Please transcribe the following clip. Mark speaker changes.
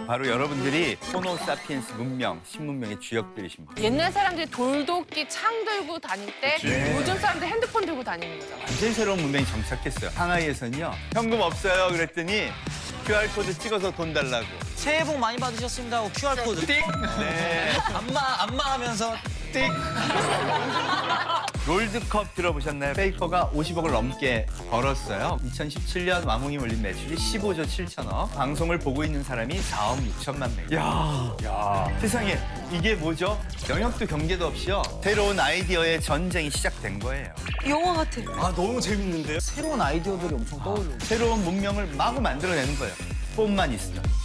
Speaker 1: 바로 여러분들이 호모사피엔스 문명, 신문명의 주역들이십니다.
Speaker 2: 옛날 사람들이 돌도끼 창 들고 다닐 때 요즘 사람들 핸드폰 들고 다니는 거잖아.
Speaker 1: 완전 새로운 문명이 정착했어요. 상하이에서는요. 현금 없어요. 그랬더니 QR코드 찍어서 돈 달라고.
Speaker 3: 새해 복 많이 받으셨습니다 하고 QR코드
Speaker 1: 띡! 네.
Speaker 3: 안마 하면서
Speaker 1: 띡! 롤드컵 들어보셨나요? 페이커가 50억을 넘게 벌었어요. 2017년 왕홍이 올린 매출이 15조 7천억. 방송을 보고 있는 사람이 4억 6천만 명. 야, 세상에 이게 뭐죠? 영역도 경계도 없이요. 새로운 아이디어의 전쟁이 시작된 거예요.
Speaker 4: 영화 같아.
Speaker 3: 아 너무 재밌는데요? 새로운 아이디어들이 엄청 떠오르고
Speaker 1: 새로운 문명을 마구 만들어내는 거예요. 폰만 있으면.